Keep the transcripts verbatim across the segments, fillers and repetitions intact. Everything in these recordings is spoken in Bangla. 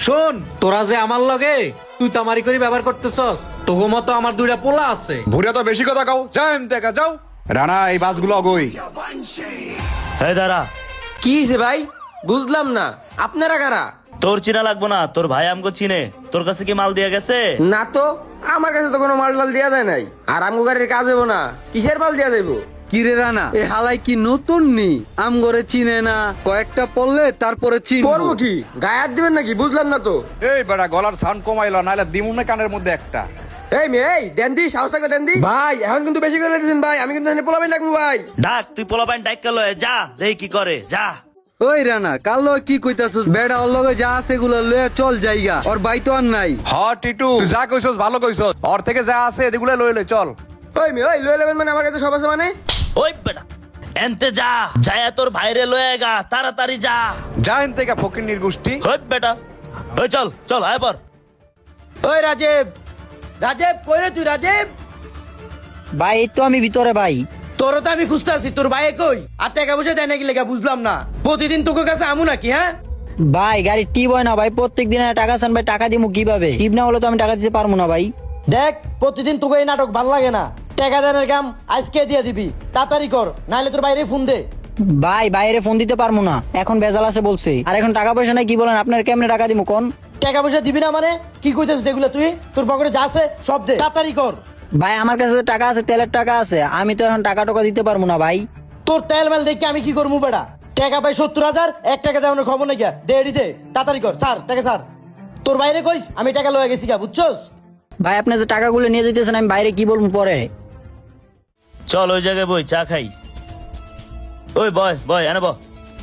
শোন, তোরা যে আমার লগে তুই তামারি করে ব্যবহার করতেছস, তোগো মতো আমার দুইটা পোলা আছে। ভুরিয়া তো বেশি কথা কাও, যাও এম দেখা যাও। রানা এই বাসগুলো অগই। এই দাঁড়া, কি হয়েছে ভাই? বুঝলাম না, আপনারা কারা? তোর চিনা লাগবো না, তোর ভাই আমগো চিনে। তোর কাছে কি মাল দিয়া গেছে? না তো, আমার কাছে তো কোনো মাল টাল দেওয়া যায় নাই। আর আমগো গাড়ির কাজ হবো না, কিসের মাল দেওয়া যাইবো? কিরে রানা, এ হালাই কি নতুন নি? আমগরে চিনে না, কয়েকটা পড়লে তারপরে চিনবো। করবো কি, গায়ে হাত দিবেন নাকি? বুঝলাম না তো। এই বেটা গলার সাউন্ড কমাইলো, নাহলে দিমুনে কানের মধ্যে একটা। এই মেয়ে, এই দেন দি, সাহস থাকলে দেন দি। ভাই এখন কিন্তু বেশি করে দিয়েছেন ভাই, আমি কিন্তু পোলাবেন ডাকবো ভাই। ডাক, তুই পোলাপাইন ডাক কেলো, যা দেখি কি করে, যা। ওই রানা, কাল লগে কি কইতাছস? বেড়া ওর লগে যা আছে এগুলো লয়ে চল জায়গা, ওর বাই তো আর নাই। হ টিটু, তুই যা কইছস ভালো কইছস। ওর থেকে যা আছে এদিগুলো লই লই চল। ওই মেয়ে, ওই লয়ে নেবেন মানে আমার কাছে সব আছে মানে? ওই বেটা এনতে যা, যায়া তোর ভাইরে লয়ে গা, তাড়াতাড়ি যা। যা এন থেকে ফকিন্নির গোষ্ঠী। ওই বেটা, ওই চল চল, আয় পর। ওই রাজীব, রাজীব কই রে তুই? রাজীব, ভাই এই তো আমি ভিতরে ভাই। তোর তো আমি খুঁজতে আছি, তোর ভাই কই? আর টাকা পয়সা দেয় নাকি লেখা বুঝলাম না। প্রতিদিন তোকে কাছে আমু নাকি? হ্যাঁ ভাই গাড়ি টিপ হয় না ভাই, প্রত্যেক দিন টাকা চান ভাই, টাকা দিমু কিভাবে? টিপ না হলে তো আমি টাকা দিতে পারবো না ভাই। দেখ, প্রতিদিন তোকে এই নাটক ভাল লাগে না। টাকা দেনের কাম আজকে দিয়ে দিবি, তাড়াতাড়ি কর, নাহলে তোর বাইরে ফোন দে। ভাই বাইরে ফোন দিতে পারবো না, এখন বেজাল আছে বলছে। আর এখন টাকা পয়সা নাই, কি বলেন? আপনার কেমনে টাকা দিমু কোন? টাকা পয়সা দিবি না মানে কি কইতেছিস? দেখলে তুই তোর পকেটে যা আছে সব দে, তাড়াতাড়ি কর। ভাই আমার কাছে টাকা আছে, তেলের টাকা আছে, আমি তো এখন টাকা টাকা দিতে পারবো না ভাই। তোর তেল মেল দেখে আমি কি করবো বেটা? টাকা পাই সত্তর হাজার, এক টাকা দেওয়ানোর খবর নাকি? দে এডি দে, তাড়াতাড়ি কর, স্যার টাকা স্যার। তোর বাইরে কইস আমি টাকা লয়ে গেছি গা, বুঝছস? ভাই আপনি যে টাকাগুলো নিয়ে যেতেছেন, আমি বাইরে কি বলবো পরে? চল ওই জায়গায় বই, চা খাই। ওই বয় বয়, এনে ব।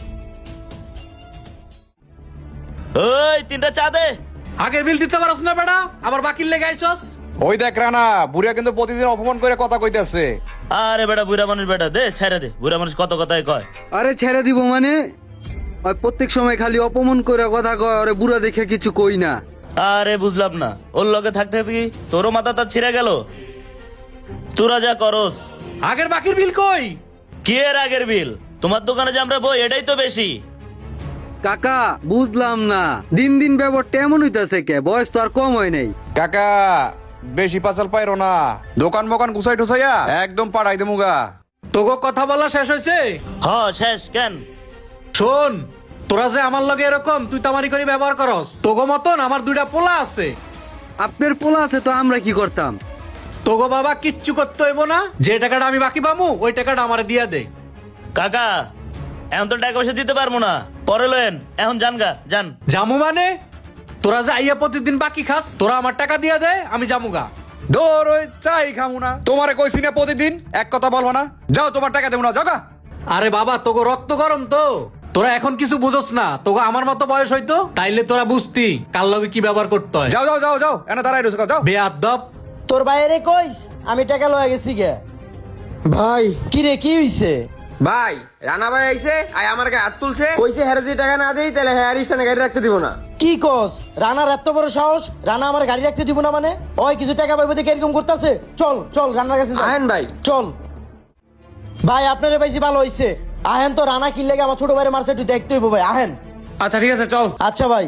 ওই তিনটা চা দে। আগের বিল দিতে পারস না বেটা, আবার বাকির লেগে আইছস। ওই দেখ রানা, বুড়িয়া কিন্তু প্রতিদিন অপমান করে কথা কইতেছে। আরে বেটা, বুড়া মানুষ বেটা, দে ছেড়ে দে। বুড়া মানুষ কত কথাই কয়। আরে ছেড়ে দিব মানে? ওই প্রত্যেক সময় খালি অপমান করে কথা কয়, আরে বুড়া দেখে কিছু কই না। আরে বুঝলাম না, ওর লগে থাকতে থাকতে কি তোরও মাথা তার ছিঁড়ে গেল? তোরা যা করস। আগের বাকির বিল কই? কি এর আগের বিল? তোমার দোকানে যে আমরা বই, এটাই তো বেশি। কাকা বুঝলাম না, দিন দিন ব্যাপারটা এমন হইতাছে কে? বয়স তো আর কম হয় নাই। কাকা বেশি পাচাল পাইরো না, দোকান মোকান গুছাই টুসাইয়া একদম পাড়াই দেমুগা। তোগো কথা বলা শেষ হয়েছে? হ শেষ। কেন? শোন, তোরা যে আমার লগে এরকম তুই তামারি করে ব্যবহার করস, তোগো মতন আমার দুইটা পোলা আছে। আপনার পোলা আছে তো আমরা কি করতাম? তোগো বাবা কিচ্ছু করতে হইব না, যে টাকাটা আমি বাকি পামু ওই টাকাটা আমারে দিয়া দে। কাকা এখন তো টাকা পয়সা দিতে পারবো না, পরে লেন। এখন যান গা, যান। জামু মানে? তোরা যে আইয়া প্রতিদিন বাকি খাস, তোরা আমার টাকা দিয়া দে, আমি জামুগা। ধর ওই চাই খামু না, তোমারে কইছি না প্রতিদিন এক কথা বলবো না। যাও, তোমার টাকা দেবো না, যাও গা। আরে বাবা, তোগো রক্ত গরম তো, তোরা এখন কিছু বুঝোস না। তোগো আমার মতো বয়স হইতো তাইলে তোরা বুঝতি কার লগে কি ব্যবহার করতে হয়। যাও যাও যাও যাও, এনে দাঁড়াই রয়েছে, যাও। বেয়াদব। তোর বাইরে কইস আমি টাকা লয়ে গেছি গে। ভাই কি রে, কি হইছে? ভাই রানা ভাই আইছে, আই আমার গায়ে হাত তুলছে, কইছে হ্যাঁ যদি টাকা না দেই তাহলে হ্যাঁ স্থানে গাড়ি রাখতে দিব না। কি কস? রানার এত বড় সাহস, রানা আমার গাড়ি রাখতে দিব না মানে? ওই কিছু টাকা পাইবো দেখে এরকম করতেছে। চল চল রানার কাছে যাই। আহেন ভাই। চল ভাই, আপনারে পাইছি ভালো হইছে। আহেন তো, রানা কি লেগে আমার ছোট ভাইরে মারছে একটু দেখতে হইব ভাই, আহেন। আচ্ছা ঠিক আছে, চল। আচ্ছা ভাই।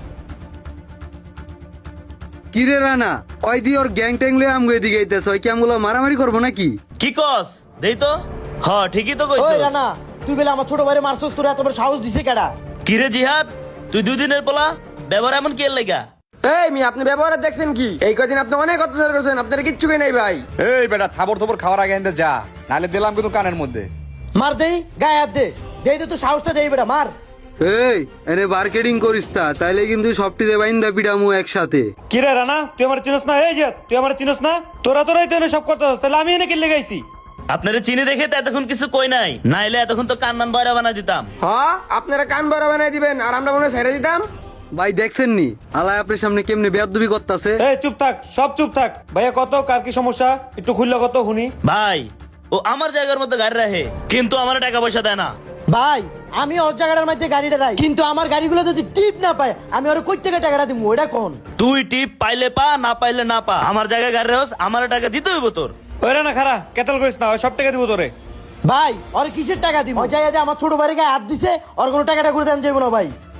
কিরে রানা, ওই দি ওর গ্যাং ট্যাং লয়ে আমগো এদিকে আইতেছে, ওই কি আমগুলো মারামারি করবো নাকি? কি কস? দেই তো। হ ঠিকই তো ওই কইছিস। রানা, তুই বলে আমার ছোট ভাইরে মারছস, তোর এত বড় সাহস দিছে কেডা? কি রে জিহাদ, তুই দুই দিনের পোলা, ব্যবহার এমন কি এর লাগা? এই মি, আপনি ব্যবহার দেখছেন কি? এই কদিন আপনি অনেক অত্যাচার করছেন, আপনার কিচ্ছু কই নাই ভাই। এই বেটা থাবর থবর খাওয়ার আগে এনে যা, নাহলে দিলাম কিন্তু কানের মধ্যে। মার দেই, গায়ে হাত দে। দেই তো, তুই সাহসটা দেই বেটা, মার। এই এনে মার্কেটিং করিস তা, তাইলে কিন্তু সবটিরে বাইন্দা পিটামু একসাথে। কিরে রানা, তুই আমার চিনস না? এই যে তুই আমার চিনস না? তোরা তোরাই তো এনে সব করতে, তাহলে আমি এনে কিনলে গাইছি। আপনারে চিনি দেখে তো এতক্ষণ কিছু কই নাই, নাইলে এতক্ষণ তো কান্নান বয়রা বানা দিতাম। হ্যাঁ আপনারা কান বড় বানাই দিবেন আর আমরা মনে হয় ছেড়ে দিতাম। ভাই দেখছেন নি আলাই আপনার সামনে কেমনে বেয়াদবি করতেছে? এই চুপ থাক, সব চুপ থাক। ভাইয়া কত, কার কি সমস্যা একটু খুললে কত শুনি। ভাই ও আমার জায়গার মধ্যে গাড়ি রাখে, কিন্তু আমার টাকা পয়সা দেয় না। ভাই আমি ওর জায়গাটার মধ্যে গাড়িটা দেয়, কিন্তু আমার গাড়িগুলো যদি টিপ না পায় আমি ওর কই থেকে টাকাটা দিব? ওইটা কোন? তুই টিপ পাইলে পা, না পাইলে না পা, আমার জায়গায় গাড়ি রাখস, আমার টাকা দিতে হইব তোর। ওই রানা খারা, কেতাল করিস না, ওই সব টাকা দিব তোরে। ভাই ওর কিসের টাকা দিব? ওই জায়গায় আমার ছোট ভাইয়ের গায়ে হাত দিছে, ওর কোনো টাকাটা করে দেন যাইব না ভাই।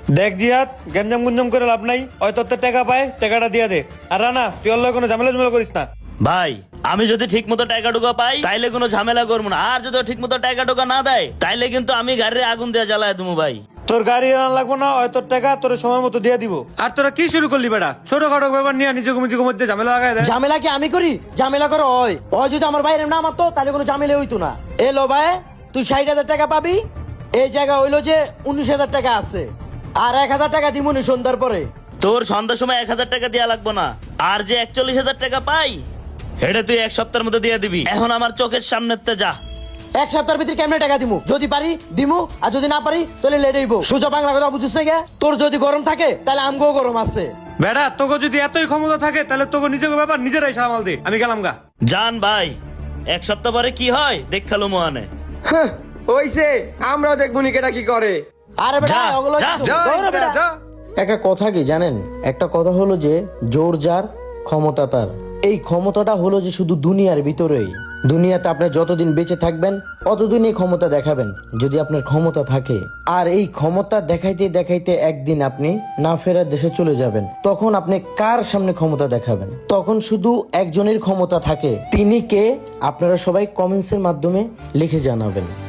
দেখ জিয়াদ, গঞ্জাম গুঞ্জাম করে লাভ নাই। ওই তোর তো টাকা পায়, টাকাটা দিয়ে দে। আর রানা, তুই অল্লাহ কোনো ঝামেলা ঝামেলা করিস না। ভাই আমি যদি ঠিক মতো টাকা টুকা পাই তাইলে কোনো ঝামেলা করবো না, আর যদি ঠিক মতো টাকা টুকা না দেয় তাইলে কিন্তু আমি গাড়ির আগুন দিয়ে জ্বালায় দেবো ভাই। তোর গাড়ি আনা লাগবো না, ওই তোর টাকা তোর সময় মতো দিয়ে দিব। আর তোরা কি শুরু করলি বেটা? ছোটখাটো ব্যাপার নিয়ে নিজেকে নিজেকে মধ্যে ঝামেলা লাগাই দেয়। ঝামেলা কি আমি করি? ঝামেলা করো হয় ওই যদি আমার বাইরে না মারতো তাহলে কোনো ঝামেলা হইতো না। এলো ভাই, তুই ষাট হাজার টাকা পাবি। এই জায়গা হইলো যে উনিশ হাজার টাকা আছে, আর এক হাজার টাকা দিমুনি সন্ধ্যার পরে। তোর সন্ধ্যার সময় এক হাজার টাকা দেওয়া লাগবো না, আর যে একচল্লিশ হাজার টাকা পাই এটা তুই এক সপ্তাহের মধ্যে দিয়ে দিবি। এখন আমার চোখের সামনে যা। এক সপ্তাহের ভিতরে কেমনে টাকা দিমু? যদি পারি দিমু, আর যদি না পারি তাহলে লেট হইব। সোজা বাংলা কথা বুঝছিস না গে? তোর যদি গরম থাকে তাহলে আমগো গরম আছে। বেটা তোকে যদি এতই ক্ষমতা থাকে তাহলে তোকে নিজেকে ব্যাপার নিজেরাই সামাল দে। আমি গেলাম গা। জান ভাই, এক সপ্তাহ পরে কি হয় দেখালো মোহানে। ওইছে আমরাও দেখবো নি কেটা কি করে। আরে বেটা যা, ওগুলো যা, কিন্তু- যা দৌড়া বেটা। যা একটা কথা কি জানেন? একটা কথা হলো যে জোর যার ক্ষমতা তার। এই ক্ষমতাটা হলো যে শুধু দুনিয়ার ভিতরেই। দুনিয়াতে আপনি যতদিন বেঁচে থাকবেন অতদিন এই ক্ষমতা দেখাবেন যদি আপনার ক্ষমতা থাকে। আর এই ক্ষমতা দেখাইতে দেখাইতে একদিন আপনি না ফেরার দেশে চলে যাবেন। তখন আপনি কার সামনে ক্ষমতা দেখাবেন? তখন শুধু একজনের ক্ষমতা থাকে। তিনি কে? আপনারা সবাই কমেন্টসের মাধ্যমে লিখে জানাবেন।